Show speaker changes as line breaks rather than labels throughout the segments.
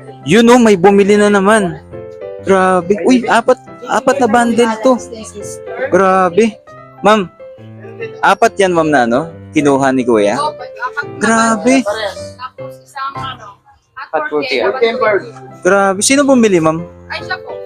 Yun oh, may bumili na naman. Grabe. Uy, apat na bundle to. Grabe. Ma'am, apat yan ma'am na ano? Kinuha ni Kuya. Grabe.
Tapos isang
Hot 40.
Grabe. Sino bumili ma'am?
Ay, siya po.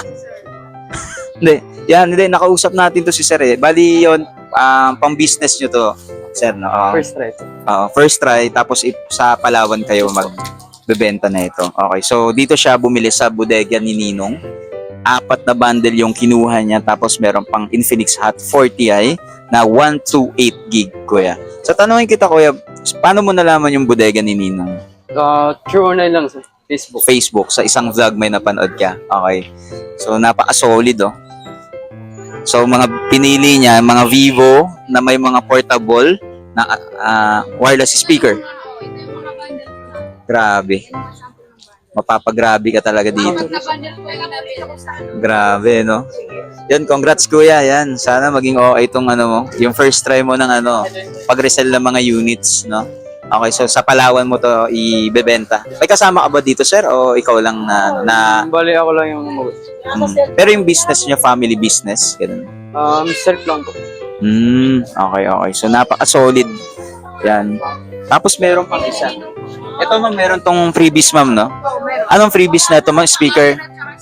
Hindi. Yan, hindi. Nakausap natin to si Sir eh. Bali yun, pang business nyo to. Sir, no?
First try.
First try, tapos sa Palawan kayo magbebenta na ito. Okay, so dito siya bumili sa bodega ni Ninong. Apat na bundle yung kinuha niya, tapos meron pang Infinix Hot 40i na 128 gig, Kuya. So tanungin kita, Kuya, paano mo nalaman yung bodega ni Ninong?
True or lang sa Facebook.
Facebook, sa isang vlog may napanood ka. Okay. So napaka-solid oh. So mga pinili niya, mga Vivo na may mga portable na wireless speaker.
Ito yung mga bundle po natin.
Grabe. Mapapagrabe ka talaga dito.
Kapag na-bundle po yung nabili ko sa
Grabe, no? Yan, congrats kuya, yan. Sana maging okay itong ano mo, yung first try mo ng ano, pag-resell ng mga units, no? Okay, so sa Palawan mo to ibebenta. May kasama ka ba dito, sir? O ikaw lang na
Bali ako lang yung
pero yung business niyo, family business, ganun.
self lang po.
Okay, okay. So napaka-solid. Yan. Tapos meron pang isa. Ito ma'am, meron tong freebies ma'am, no? Anong freebies na ito ma'am? Speaker?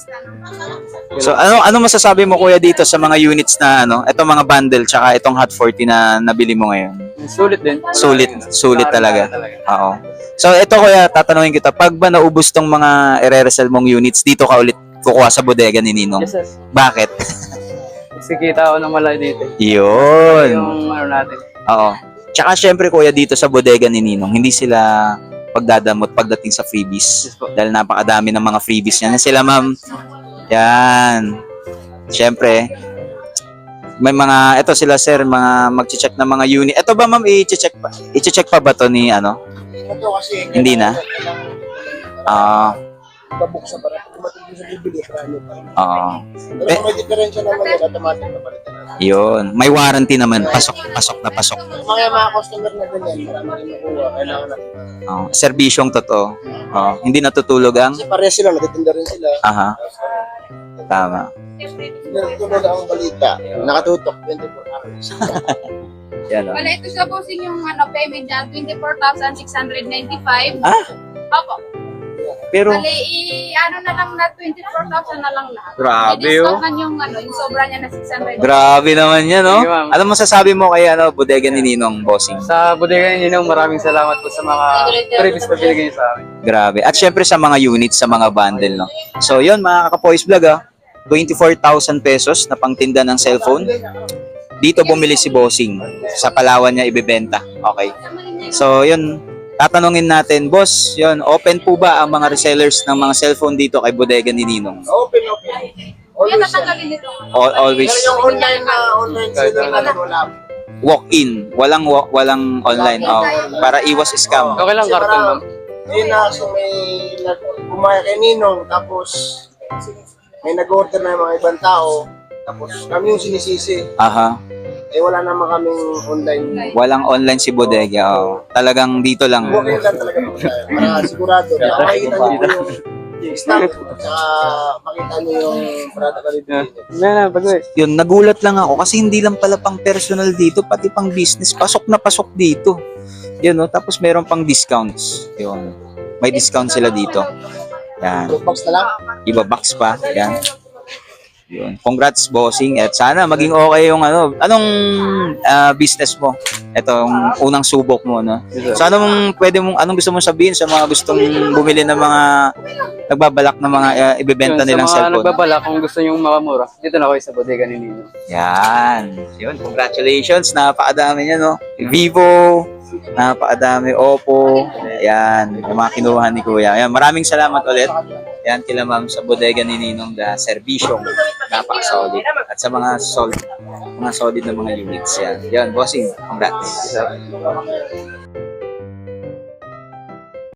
So ano masasabi mo kuya dito sa mga units na ano, ito mga bundle tsaka itong Hot 40 na nabili mo ngayon?
Sulit din.
Sulit talaga. Oo. So ito kuya, tatanungin kita, pag ba naubos tong mga ire-resell mong units, dito ka ulit kukuha sa bodega ni Ninong?
Yes, sir.
Bakit?
Kasi kita ako ng malay dito.
Yun.
Yung ano natin.
Oo. Tsaka syempre kuya, dito sa bodega ni Ninong, hindi sila pagdadamot pagdating sa freebies.
Yes po.
Dahil napakadami ng mga freebies yan. Sila ma'am, yan. Syempre, may mga, ito sila sir, mga mag-check ng mga unit. Ito ba ma'am, i-check pa ba to ni ano?
Ito kasi
Hindi na?
babuksan para dumating din sa bibili para nyo pa.
Oo.
Pero kung may diferensya naman yan, automatic na palitan natin.
Yun. May warranty naman. Pasok na pasok.
Mga customer na ganyan, marami rin nakuha, kailangan natin.
Serbisyong totoo. Hindi natutulog ang?
Kasi pares sila, natitinda rin sila.
Aha. Tama.
Natutulog ang balita. Nakatutok, 24 hours.
Yan o.
Wala, ito sa posing yung payment niya, 24,695. Opo.
Pero,
Bali, na lang na 24,000 na lang lahat.
Grabe,
I-discount
oh.
man yung sobra niya na 600.
grabe naman yan, no?
Sige, ma'am.
Ano masasabi mo kay bodega ni Ninong, bossing?
Sa bodega ninyo, maraming salamat po sa mga previous na binigay niyo sa amin.
Grabe. At syempre sa mga units, sa mga bundle, no? So, yun, mga kaka-Poise Vlog, 24,000 pesos na pangtinda ng cellphone. Dito bumili si bossing. Sa Palawan niya ibebenta. Okay. So, yun. Tatanungin natin, boss, yun, open po ba ang mga resellers ng mga cellphone dito kay bodega ni Ninong?
Open.
Kuya,
Always yan.
tatanggalin nito.
Always
Pero yung online seller na wala.
walk-in, walang online, para iwas scam.
Okay lang, karton, ma'am.
Yun na kasi may kumaya kay Ninong, tapos may nag-order na yung mga ibang tao, tapos kami yung sinisisi.
Aha.
Wala naman kaming online.
Walang online si bodega. Talagang dito lang.
Walk-in lang talaga po tayo. Para sigurado. Makikita niyo po yung stock. Tsaka makita niyo yung product na dito.
Yun, nagulat lang ako kasi hindi lang pala pang personal dito, pati pang business. Pasok na pasok dito. Yun, no? Tapos meron pang discounts. Yun. May discount sila dito. Yan.
Box na lang.
Iba box pa. Yan. Yun. Congrats, bossing. At sana maging okay yung anong business mo. Ito, yung unang subok mo, no? So, anong gusto mong sabihin sa mga gustong bumili ng mga nagbabalak na mga ibebenta nilang
Sa mga
cellphone?
nagbabala, kung gusto nyo makamura, dito na kayo sa bodega ni Nino.
Yan. Yun, congratulations. Napakadami niya, no? Vivo, napakadami. Oppo. Yan. Yung mga kinuha ni Kuya. Yan. Maraming salamat ulit. Yan kila ma'am sa bodega ni Ninong da serbisyong napaka-solid. At sa mga solid na mga units yan. Yan, bossing. Congrats.